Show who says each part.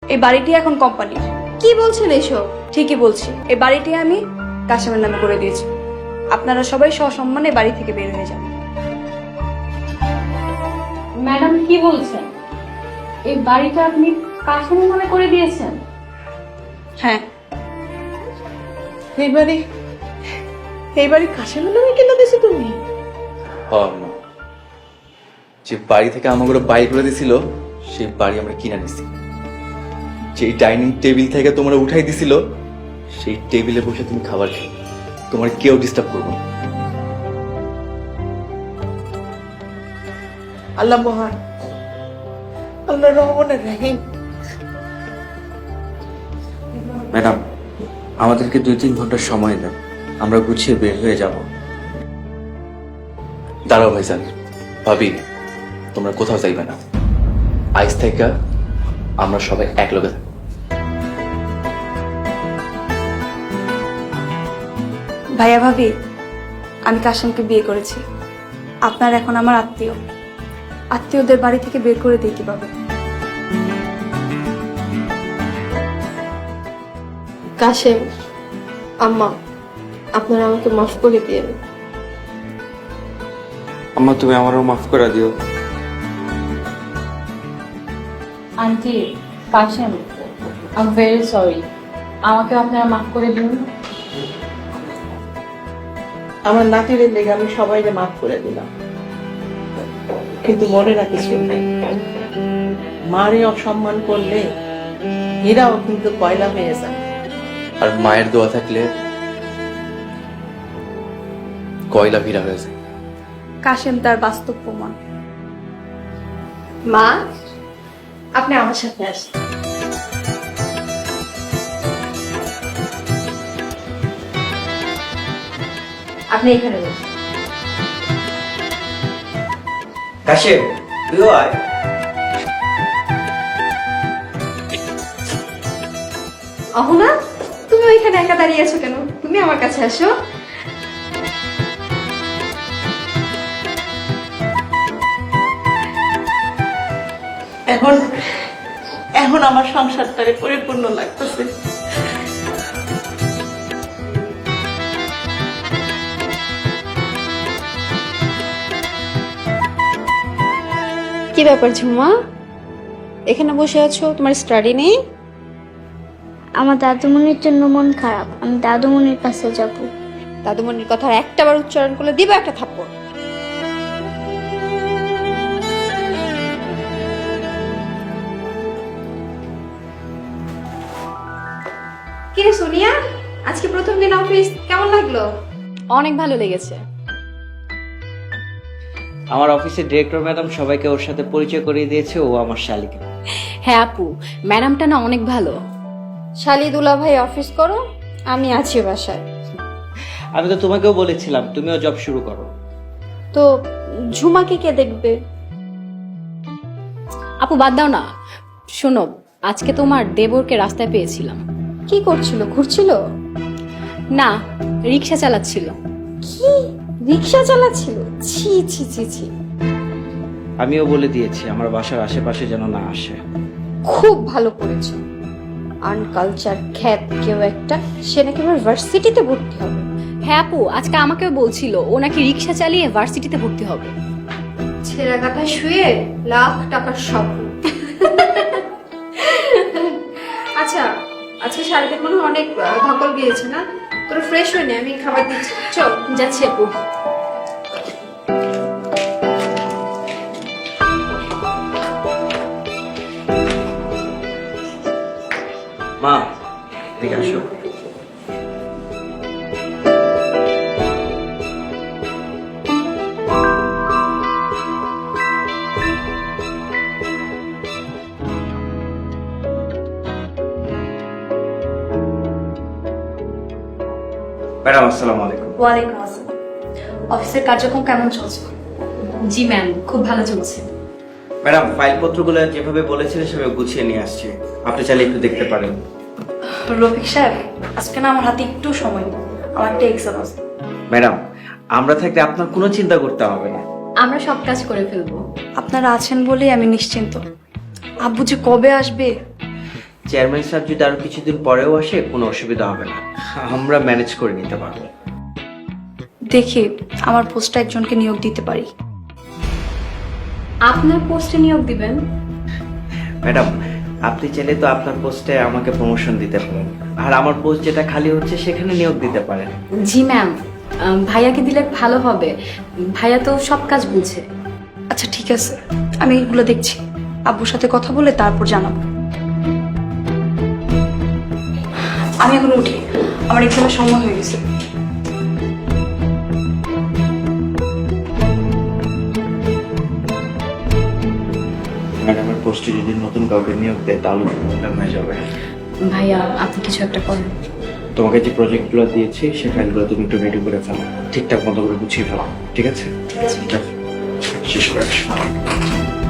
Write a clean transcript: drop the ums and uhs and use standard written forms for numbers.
Speaker 1: এই বাড়িটি এখন কোম্পানি।
Speaker 2: কি বলছেন এসব?
Speaker 1: ঠিকই বলছি, এই বাড়িটি আমি কাশেমের নামে করে দিয়েছি। আপনারা সবাই সসম্মানে বাড়ি থেকে বের হয়ে যান।
Speaker 3: ম্যাডাম কি বলছেন? এই বাড়িটা আপনি কাশেমের নামে করে দিয়েছেন?
Speaker 1: হ্যাঁ,
Speaker 4: এই বাড়ি কাশেমের নামে কিনে দিয়েছো তুমি?
Speaker 5: যে বাড়ি থেকে আমাগুলো বাড়ি করে দিছিল সেই বাড়ি আমরা কিনে নিছি। যেই ডাইনিং টেবিল থেকে তোমরা উঠাই দিছিল সেই টেবিলে বসে তুমি খাবার খেয়ে তোমার কেউ ডিস্টার্ব করবো না।
Speaker 4: আল্লাহ মহান, আল্লাহ রহমানের রহিম।
Speaker 6: ম্যাডাম, আমাদেরকে 2-3 ঘন্টার সময় দেন, আমরা গুছিয়ে বের হয়ে যাব।
Speaker 5: দাঁড়াও ভাইজান, ভাবি তোমরা কোথাও যাইবে না। আজ থেকে আমরা সবাই এক লগে থাকবো।
Speaker 1: ভাইয়া ভাবি, আমি কাশেমকে বিয়ে করেছি। আপনার এখন আমার আত্মীয়। আত্মীয়দের বাড়ি থেকে বের করে দিই কিভাবে?
Speaker 2: কাশেম, আম্মা, আপনারা আমাকে মাফ করে দিয়েন।
Speaker 6: আম্মা, তুমি আমারও মাফ করে দিও।
Speaker 3: Aunty, Kashem, I am very sorry. আমাকে আপনারা মাফ করে দিন।
Speaker 4: আমার নাতিদের লেগে আমি সবাইকে মাফ করে দিলাম, কিন্তু মনে রাখিস মারে অসম্মান করলে হীরাও কিন্তু কয়লা হয়ে যায়।
Speaker 5: আর মায়ের দোয়া থাকলে কয়লা ভিড়া হয়ে যায়।
Speaker 1: কাশেম তার বাস্তব প্রমাণ।
Speaker 2: মা, আপনি আমার সাথে আসেন। আপনি এখানে বসুন।
Speaker 6: কাশেম, তুইও আয়।
Speaker 2: অহনা, তুমি ওইখানে একা দাঁড়িয়ে আছো কেন? তুমি আমার কাছে আসো।
Speaker 4: এখন এখন আমার সংসারটারে পরিপূর্ণ লাগতেছে।
Speaker 2: কি ব্যাপার ঝুমা, এখানে বসে আছো? তোমার স্টাডি নেই?
Speaker 7: আমার দাদুমণির জন্য মন খারাপ, আমি দাদুমণির কাছে যাব।
Speaker 2: দাদুমণির কথা আর একটাবার উচ্চারণ করলে দিবা একটা থাপ্পড়। কি রে সোনিয়া, আজকে প্রথম দিন অফিস, কেমন লাগলো?
Speaker 3: অনেক ভালো লেগেছে।
Speaker 6: আমার অফিসের ডিরেক্টর ম্যাডাম সবাইকে ওর সাথে পরিচয় করিয়ে দিয়েছে, ও আমার শালিকা।
Speaker 3: হ্যাঁ আপু, ম্যাডামটা না অনেক ভালো।
Speaker 2: শালি দুলা ভাই অফিস করো, আমি আছি বাসায়।
Speaker 6: আমি তো তোমাকেও বলেছিলাম তুমিও জব শুরু করো।
Speaker 2: তো ঝুমাকে কে দেখবে?
Speaker 3: আপু বাদ দাও না। শোনো, আজকে তোমার দেবরকে রাস্তায় পেয়েছিলাম।
Speaker 2: কি করছিল? ঘুরছিল?
Speaker 3: না, রিক্সা চালাচ্ছিল।
Speaker 2: কি রিক্সা চালাচ্ছিল? ছি ছি ছি ছি।
Speaker 6: আমিও বলে দিয়েছি আমার বাসার আশেপাশে যেন না আসে।
Speaker 2: খুব ভালো করেছো। আনকালচার খ্যাত কেউ একটা, সে নাকি এবার ভার্সিটিতে ভর্তি হবে।
Speaker 3: হ্যাঁ আপু, আজকে আমাকেও বলছিল ও নাকি রিক্সা চালিয়ে ভার্সিটিতে ভর্তি হবে।
Speaker 2: ছেঁড়া কাঁথা শুয়ে লাখ টাকার স্বপ্ন। আচ্ছা, আজকে শাড়িতে মনে হয় অনেক ধকল গিয়েছে না? তোর ফ্রেশ হয়ে নে, আমি খাবার দিচ্ছি। চল
Speaker 3: যাচ্ছি আপু।
Speaker 6: মা, এদিকে আসো। ম্যাডাম, আসসালামু আলাইকুম।
Speaker 1: ওয়ালাইকুম আসসালাম। অফিসের কার্যক্রম কেমন চলছে?
Speaker 3: জি ম্যাম, খুব ভালো চলছে।
Speaker 6: ম্যাডাম, ফাইলপত্রগুলো যেভাবে বলেছিলেন সেভাবে গুছিয়ে নিয়ে আসছি, আপনি চাইলে একটু দেখতে পারেন।
Speaker 1: রফিক সাহেব, আজকে না আমার হাতে একটু সময় নেই, আমার একটা এক্সাম আছে।
Speaker 6: ম্যাডাম, আমরা থাকলে আপনার কোনো চিন্তা করতে হবে না।
Speaker 3: আমরা সব কাজ করে ফেলবো।
Speaker 1: আপনারা আছেন বলেই আমি নিশ্চিন্ত। আব্বু যে কবে আসবে
Speaker 6: চেয়ারম্যান স্যার যদি আরো কিছুদিন পরেও আসে কোনো অসুবিধা হবে না, আমরা ম্যানেজ করে নিতে পারবো।
Speaker 1: দেখি আমার পোস্টে একজনকে নিয়োগ দিতে পারি।
Speaker 2: আপনার পোস্টে নিয়োগ দিবেন?
Speaker 6: ম্যাডাম, আপনি চাইলে তো আপনার পোস্টে আমাকে প্রমোশন দিতে পারেন, আর আমার পোস্ট যেটা খালি হচ্ছে সেখানে নিয়োগ দিতে পারেন।
Speaker 2: জি ম্যাম, ভাইয়াকে দিলে ভালো হবে, ভাইয়া তো সব কাজ বুঝে।
Speaker 1: আচ্ছা ঠিক আছে, আমি এগুলো দেখছি, আব্বুর সাথে কথা বলে তারপর জানাবো। আমি এখন উঠি, আমার এক্সামের সময় হয়ে গেছে।
Speaker 6: ম্যাডামের পোস্টে যদি নতুন কাউকে নিয়োগ দেয় তাহলে প্রবলেম হয়ে যাবে।
Speaker 2: ভাইয়া আপনি কিছু একটা করেন।
Speaker 6: তোমাকে যে প্রজেক্টগুলো দিয়েছি সে ফাইলগুলো তুমি একটু রেডি করে ফেলো, ঠিকঠাক মতো করে গুছিয়ে ফেলো, ঠিক আছে? শেষ করে আসো।